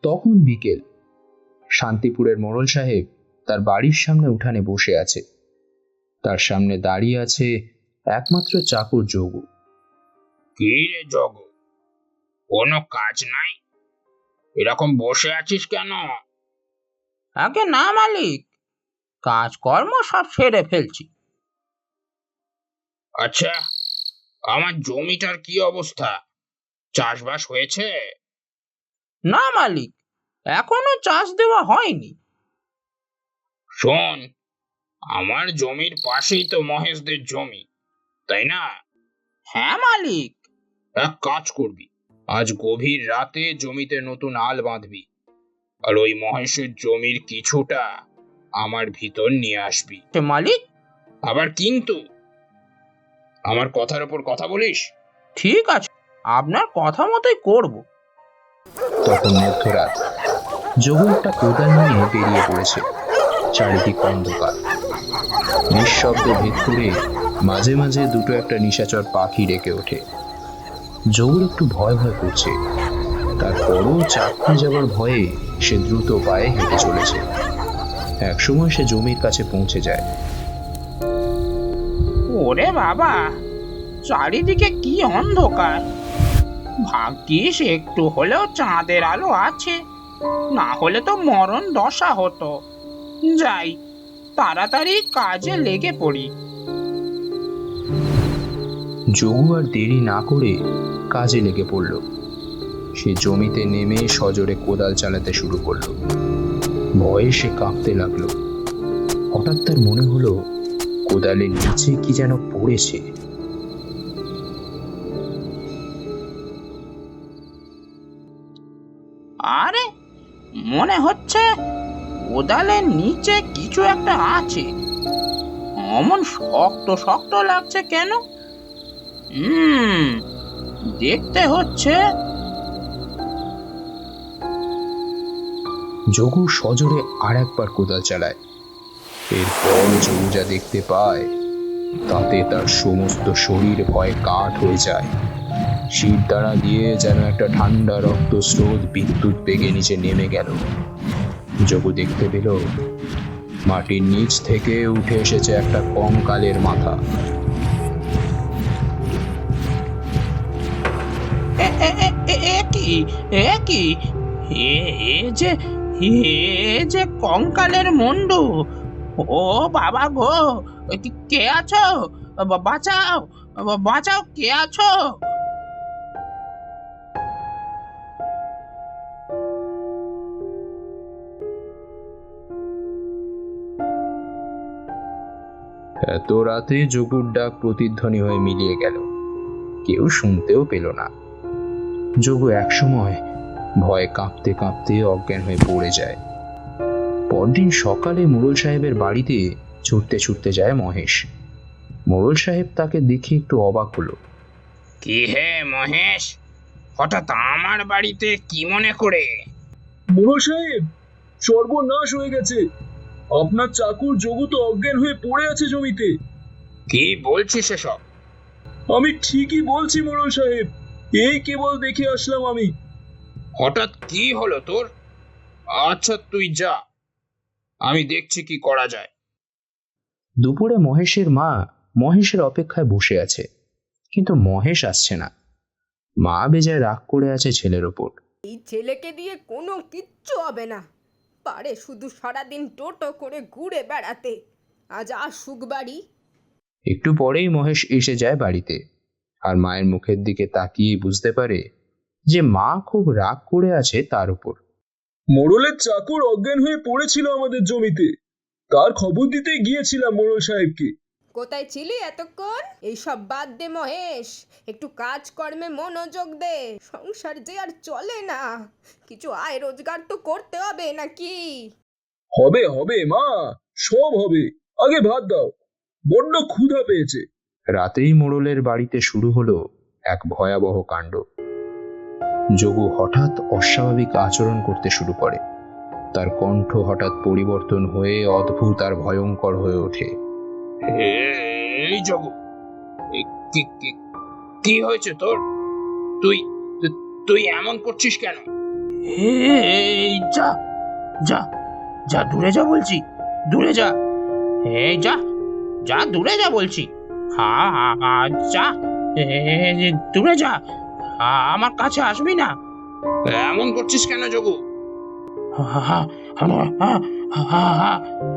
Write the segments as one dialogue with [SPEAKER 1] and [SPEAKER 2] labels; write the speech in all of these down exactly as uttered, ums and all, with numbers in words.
[SPEAKER 1] তখন বিকেল। শান্তিপুরের মোড়ল সাহেব তার বাড়ির সামনে উঠানে বসে আছে। তার সামনে দাঁড়িয়ে আছে একমাত্র চাকর যোগু।
[SPEAKER 2] কি রে যোগু, কোনো কাজ নাই? এরকম বসে আছিস কেন?
[SPEAKER 3] আগে না মালিক, কাজকর্ম সব সেরে ফেলছি।
[SPEAKER 2] আচ্ছা, আমার জমিটার কি অবস্থা? চাষবাস হয়েছে?
[SPEAKER 3] না মালিক, এখনো চাষ দেওয়া হয়নি।
[SPEAKER 2] শোন, আমার জমির পাশেই তো মহেশদের জমি, তাই না?
[SPEAKER 3] হ্যাঁ মালিক।
[SPEAKER 2] এক কাজ করবি, আজ গভীর রাতে জমিতে নতুন আল বাঁধবি, আর ওই মহেশের জমির কিছুটা আমার ভিতর নিয়ে আসবি।
[SPEAKER 3] মালিক,
[SPEAKER 2] আবার কিন্তু আমার কথার উপর কথা বলিস।
[SPEAKER 3] ঠিক আছে, আপনার কথা মতোই করব।
[SPEAKER 1] তখন মধ্যরাত। যোগু একটা কোদাল নিয়ে বেরিয়ে পড়েছে। চারিদিক অন্ধকার। নিঃশব্দে ভেদ করে মাঝে মাঝে দুটো একটা নিশাচর পাখি ডেকে ওঠে। যোগুর একটু ভয় ভয় করছে, তারপরও চাকরি যাবার ভয়ে সে দ্রুত পায়ে হেঁটে চলেছে। একসময় সে জমির কাছে পৌঁছে যায়।
[SPEAKER 3] ওরে বাবা, চারিদিকে কি অন্ধকার! ভাগ্যিস একটু হলেও চাঁদের আলো আছে, না হলে তো মরণ দশা হতো। যাই, তাড়াতাড়ি কাজে লেগে পড়ি।
[SPEAKER 1] যোগু আর দেরি না করে কাজে লেগে পড়ল। সে জমিতে নেমে সজোরে কোদাল চালাতে শুরু করলো। ভয়ে সে কাঁপতে লাগলো। হঠাৎ তার মনে হলো কোদালের নিচে কি যেন পড়েছে।
[SPEAKER 3] আরে, মনে হচ্ছে কোদালের নিচে কিছু একটা আছে। অমন শক্ত শক্ত লাগছে কেন? হুম দেখতে হচ্ছে।
[SPEAKER 1] যোগু সজোরে আর একবার কোদাল চালায়। এরপর যোগু যা দেখতে পায় তাতে তার সমস্ত শরীর ভয়ে কাঠ হয়ে যায়। শীত দ্বারা দিয়ে যেন একটা ঠান্ডা রক্ত স্রোত বিদ্যুৎ বেগে নিচে নেমে গেল। যোগু দেখতে পেল মাটির নিচ থেকে উঠে এসেছে একটা কঙ্কালের মাথা।
[SPEAKER 3] কি এ কি এ যে এ যে কঙ্কালের মুন্ডু! ও বাবা গো, কে আছো? বাঁচাও, বাঁচাও, কে আছো?
[SPEAKER 1] এত রাতে যোগুর ডাক প্রতিধ্বনি হয়ে মিলিয়ে গেল। কেউ শুনতেও পেল না। যোগু একসময় ভয়ে কাঁপতে কাঁপতে অজ্ঞান হয়ে পড়ে যায়। পরদিন সকালে মোড়ল সাহেবের বাড়িতে ছুটতে ছুটতে যায় মহেশ। মোড়ল সাহেব তাকে দেখে একটু অবাক হলো।
[SPEAKER 2] কি হে মহেশ, হঠাৎ আমার বাড়িতে কি মনে করে?
[SPEAKER 4] মোড়ল সাহেব, সর্বনাশ হয়ে গেছে। আপনার চাকর যোগু তো অজ্ঞান হয়ে পড়ে আছে জমিতে।
[SPEAKER 2] কি বলছিস এসব?
[SPEAKER 4] আমি ঠিকই বলছি মোড়ল সাহেব, এই কেবল দেখে আসলাম আমি।
[SPEAKER 2] হঠাৎ কি হলো তোর? আচ্ছা তুই যা, আমি দেখছি কি করা যায়।
[SPEAKER 1] দুপুরে মহেশের মা মহেশের অপেক্ষায় বসে আছে, কিন্তু মহেশ আসছে না। মা বেজায় রাগ করে আছে ছেলের ওপর।
[SPEAKER 5] এই ছেলেকে দিয়ে কোনো কিচ্ছু হবে না, পারে শুধু সারাদিন টোটো করে ঘুরে বেড়াতে। আজ আসুক বাড়ি।
[SPEAKER 1] একটু পরেই মহেশ এসে যায় বাড়িতে, আর মায়ের মুখের দিকে তাকিয়ে বুঝতে পারে যে মা খুব রাগ করে আছে তার উপর।
[SPEAKER 4] মোড়লের চাকর অজ্ঞান হয়ে পড়েছিল আমাদের জমিতে, তার খবর দিতে গিয়েছিলাম মোড়ল সাহেবকে।
[SPEAKER 5] কোথায় ছিলি এতক্ষণ? এইসব বাদ দে মহেশ, একটু কাজকর্মে মনোযোগ দে। সংসার যে আর চলে না, কিছু আয় রোজগার তো করতে হবে নাকি?
[SPEAKER 4] হবে হবে মা, সব হবে। আগে ভাত দাও, বড্ড ক্ষুধা পেয়েছে।
[SPEAKER 1] রাতেই মোড়লের বাড়িতে শুরু হলো এক ভয়াবহ কাণ্ড। যোগু হঠাৎ অস্বাভাবিক আচরণ করতে শুরু করে। তার কণ্ঠ হঠাৎ পরিবর্তন হয়ে অদ্ভুত আর ভয়ঙ্কর হয়ে ওঠে।
[SPEAKER 2] এই যোগু, কি হয়েছে তোর? তুই তুই এমন করছিস কেন?
[SPEAKER 3] এই যা যা যা দূরে যা বলছি, দূরে যা। এই যা যা দূরে যা বলছি। হা হা হা, যা এই, দূরে যা, আ- আমার কাছে আসবি না।
[SPEAKER 2] এমন করছিস কেন যোগু?
[SPEAKER 3] হা, হা, হা, হা, হা, হা,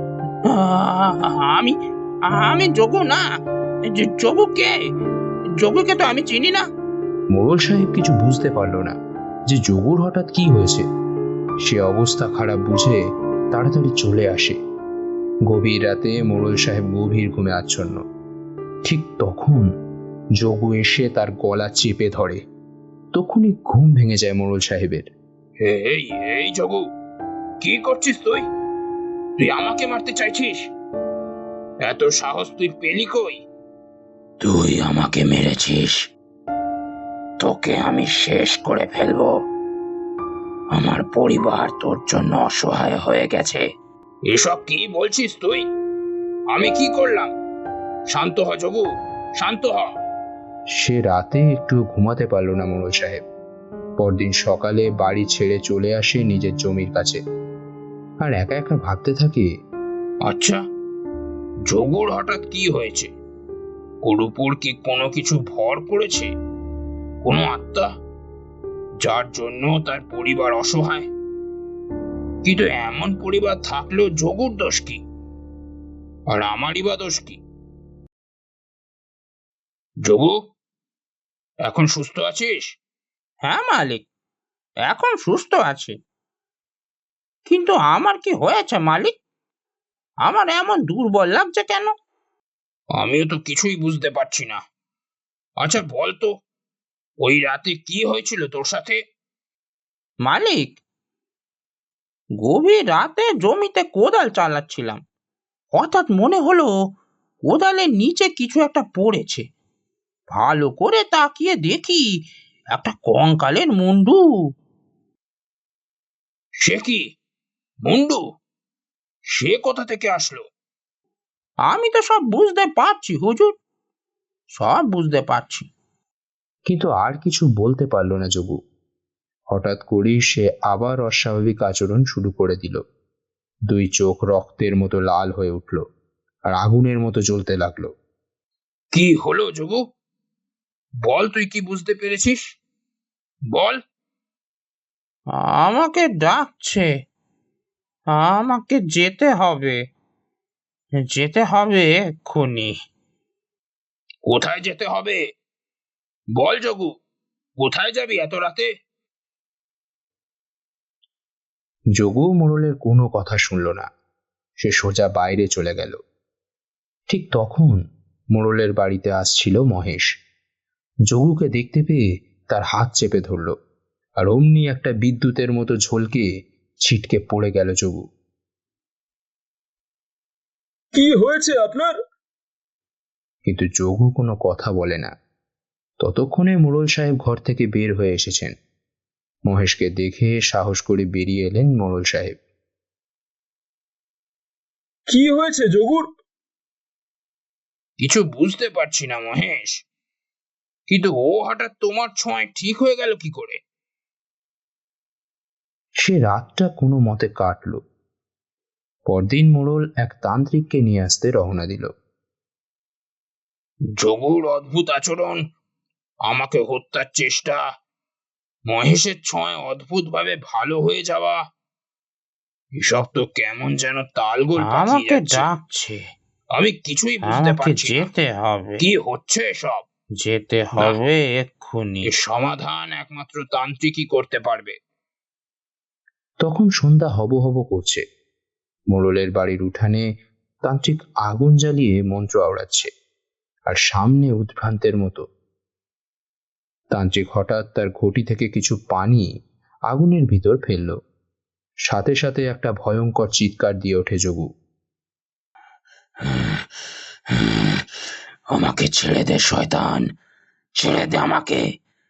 [SPEAKER 3] আমি আমি যোগু না। য- যোগু কে? যোগুকে তো আমি চিনি না।
[SPEAKER 1] মোড়ল সাহেব কিছু বুঝতে পারল না যে যোগুর হঠাৎ কি হয়েছে। সে অবস্থা খারাপ বুঝে তাড়াতাড়ি চলে আসে। গভীর রাতে মোড়ল সাহেব গভীর ঘুমে আচ্ছন্ন। ঠিক তখন যোগু এসে তার গলা চেপে ধরে। তখনই ঘুম ভেঙে যায় মোড়ল সাহেবের।
[SPEAKER 2] এই এই যোগু, কি করছিস তুই? তুই আমাকে মারতে চাইছিস? এত সাহস তুই পেলি কই?
[SPEAKER 3] তুই আমাকে মেরেছিস, তোকে আমি শেষ করে ফেলবো। আমার পরিবার তোর জন্য অসহায় হয়ে গেছে।
[SPEAKER 2] এসব কি বলছিস তুই? আমি কি করলাম? শান্ত হ যোগু, শান্ত হ।
[SPEAKER 1] সে রাতে একটু ঘুমাতে পারল না মোড়ল সাহেব। পরদিন সকালে বাড়ি ছেড়ে চলে আসে নিজের জমির কাছে। আর একা একা ভাবতে থাকে,
[SPEAKER 2] আচ্ছা, যোগুর হঠাৎ কি হয়েছে? ওর উপর কি কোনো কিছু ভর করেছে? কোনো আত্মা, যার জন্য তার পরিবার অসহায়? কিন্তু এমন পরিবার থাকলেও যোগুর দোষ কি? আর আমারই বা দোষ কি? যোগু, এখন সুস্থ আছিস?
[SPEAKER 3] হ্যাঁ মালিক, এখন সুস্থ আছে। কিন্তু আমার কি হয়েছে মালিক? আমার এমন দুর্বল লাগছে কেন?
[SPEAKER 2] আমিও তো কিছুই বুঝতে পারছি না। আচ্ছা বল তো, ওই রাতে কি হয়েছিল তোর সাথে?
[SPEAKER 3] মালিক, গভীর রাতে জমিতে কোদাল চালাচ্ছিলাম। হঠাৎ মনে হলো কোদালের নিচে কিছু একটা পড়েছে। ভালো করে তাকিয়ে দেখি একটা কঙ্কালের মুন্ডু।
[SPEAKER 2] সে কি? মুন্ডু? সে কোথা থেকে আসলো?
[SPEAKER 3] আমি তো সব বুঝতে পারছি হুজুর, সব বুঝতে পারছি।
[SPEAKER 1] কিন্তু আর কিছু বলতে পারল না যোগু। হঠাৎ করেই সে আবার অস্বাভাবিক আচরণ শুরু করে দিল। দুই চোখ রক্তের মতো লাল হয়ে উঠল আর আগুনের মতো জ্বলতে লাগলো।
[SPEAKER 2] কি হলো যোগু? বল, তুই কি বুঝতে পেরেছিস? বল।
[SPEAKER 3] আমাকে ডাকছে, আমাকে যেতে হবে, যেতে হবে এক্ষুনি।
[SPEAKER 2] কোথায় যেতে হবে? বল যোগু, কোথায় যাবি এত রাতে?
[SPEAKER 1] যোগু মোড়লের কোনো কথা শুনল না। সে সোজা বাইরে চলে গেল। ঠিক তখন মোড়লের বাড়িতে আসছিল মহেশ। যোগুকে দেখতে পেয়ে তার হাত চেপে ধরল, আর অমনি একটা বিদ্যুতের মতো ঝলকে ছিটকে পড়ে গেল যোগু।
[SPEAKER 4] কি হয়েছে আপনার?
[SPEAKER 1] কিন্তু যোগু কোনো কথা বলে না। ততক্ষণে মোড়ল সাহেব ঘর থেকে বের হয়ে এসেছেন। মহেশকে দেখে সাহস করে বেরিয়ে এলেন মোড়ল সাহেব।
[SPEAKER 4] কি হয়েছে যোগুর?
[SPEAKER 2] কিছু বুঝতে পারছি না মহেশ, কিন্তু ও হঠাৎ তোমার ছোঁয়ায় ঠিক হয়ে গেল কি করে?
[SPEAKER 1] সে রাতটা কোনো মতে কাটল। পরদিন মোড়ল এক তান্ত্রিককে নিয়ে আসতে রওনা দিল।
[SPEAKER 2] যোগুর অদ্ভুত আচরণ, আমাকে হত্যার চেষ্টা, মহেশের ছোঁয়ায় অদ্ভুত ভাবে ভালো হয়ে যাওয়া, এসব তো কেমন যেন তালগোল পাকিয়ে
[SPEAKER 3] আমাকে
[SPEAKER 2] যাচ্ছে।
[SPEAKER 3] ডাকছে,
[SPEAKER 2] আমি কিছুই বুঝতে
[SPEAKER 3] আমাকে
[SPEAKER 2] পারছি না।
[SPEAKER 3] যেতে হবে,
[SPEAKER 2] কি হচ্ছে এসব?
[SPEAKER 3] যেতে হবে এক্ষুনি।
[SPEAKER 2] এর সমাধান একমাত্র তান্ত্রিকই করতে পারবে।
[SPEAKER 1] তখন সন্ধ্যা হব হব করছে। মোড়লের বাড়ির উঠানে তান্ত্রিক আগুন জ্বালিয়ে মন্ত্র আওড়াচ্ছে, আর সামনে উদ্ভ্রান্তের মতো তান্ত্রিক হঠাৎ তার ঘটি থেকে কিছু পানি আগুনের ভিতর ফেলল। সাথে সাথে একটা ভয়ঙ্কর চিৎকার দিয়ে ওঠে যোগু।
[SPEAKER 3] আমাকে ছেড়ে দে শয়তান, ছেড়ে দে আমাকে।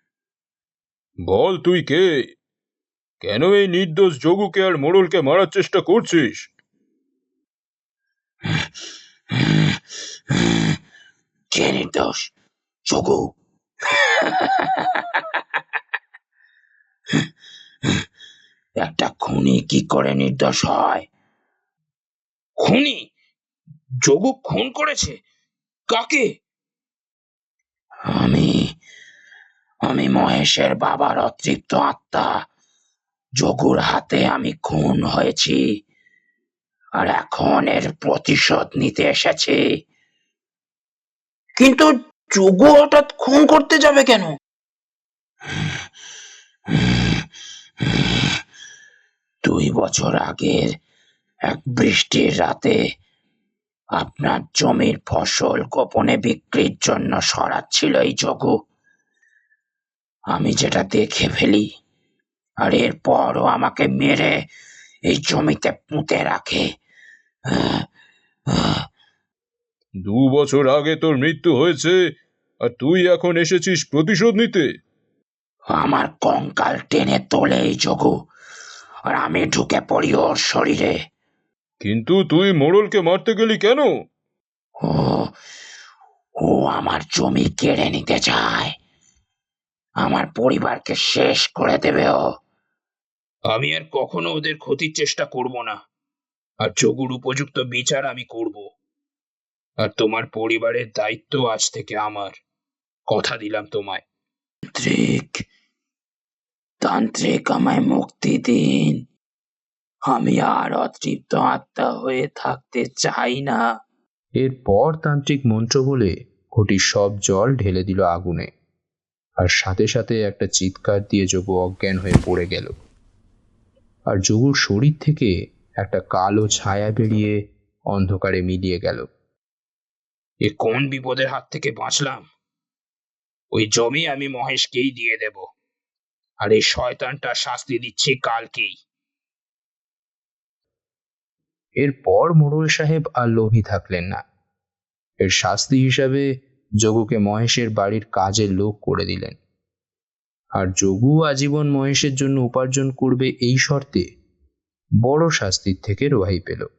[SPEAKER 4] বল তুই কে? কেন এই নির্দোষ যোগুকে আর মোড়লকে মারার চেষ্টা করছিস?
[SPEAKER 3] কে নির্দোষ? যোগু।
[SPEAKER 2] একটা খুনি কি করে নির্দোষ হয়? খুনি? যোগু খুন করেছে? কাকে? আমি আমি মহেশের বাবার অতৃপ্ত আত্মা। যোগুর হাতে আমি খুন হয়েছি, আর এখন এর প্রতিশোধ নিতে এসেছি। কিন্তু যোগু হঠাৎ খুন করতে যাবে কেন? দুই বছর আগের এক বৃষ্টির রাতে আপনার জমির ফসল গোপনে বিক্রির জন্য সরাচ্ছিল এই যোগু। আমি যেটা দেখে ফেলি, আর এরপরও আমাকে মেরে এই জমিতে পুঁতে রাখে।
[SPEAKER 4] দু বছর আগে তোর মৃত্যু হয়েছে, আর তুই এখন এসেছিস প্রতিশোধ নিতে?
[SPEAKER 2] আমার কঙ্কাল টেনে তোলে এই যোগু, আর আমি ঢুকে পড়ি ওর শরীরে।
[SPEAKER 4] কিন্তু তুই মোড়লকে মারতে গেলি কেন?
[SPEAKER 2] ও ও আমার জমি কেড়ে নিতে চায়, আমার পরিবারকে শেষ করে দেবে ও। আমি আর কখনো ওদের ক্ষতির চেষ্টা করব না, আর যোগুর উপযুক্ত বিচার আমি করব। আর তোমার পরিবারের দায়িত্ব আজ থেকে আমার, কথা দিলাম তোমায়। তান্ত্রিক তান্ত্রিক আমায় মুক্তি দিন, আমি আর অতৃপ্ত আত্মা হয়ে থাকতে চাই না।
[SPEAKER 1] এরপর তান্ত্রিক মন্ত্র বলে ঘটির সব জল ঢেলে দিল আগুনে, আর সাথে সাথে একটা চিৎকার দিয়ে যোগু অজ্ঞান হয়ে পড়ে গেল। আর যোগুর শরীর থেকে একটা কালো ছায়া বেরিয়ে অন্ধকারে মিলিয়ে গেল।
[SPEAKER 2] এ কোন বিপদের হাত থেকে বাঁচলাম! ওই জমি আমি মহেশকেই দিয়ে দেব, আর এই শয়তানটা শাস্তি দিচ্ছি কালকেই।
[SPEAKER 1] এরপর মোড়ল সাহেব আর লোভী থাকলেন না। এর শাস্তি হিসাবে যোগুকে মহেশের বাড়ির কাজের লোক করে দিলেন, আর যোগু আজীবন মহেশের জন্য উপার্জন করবে এই শর্তে বড় শাস্তির থেকে রেহাই পেল।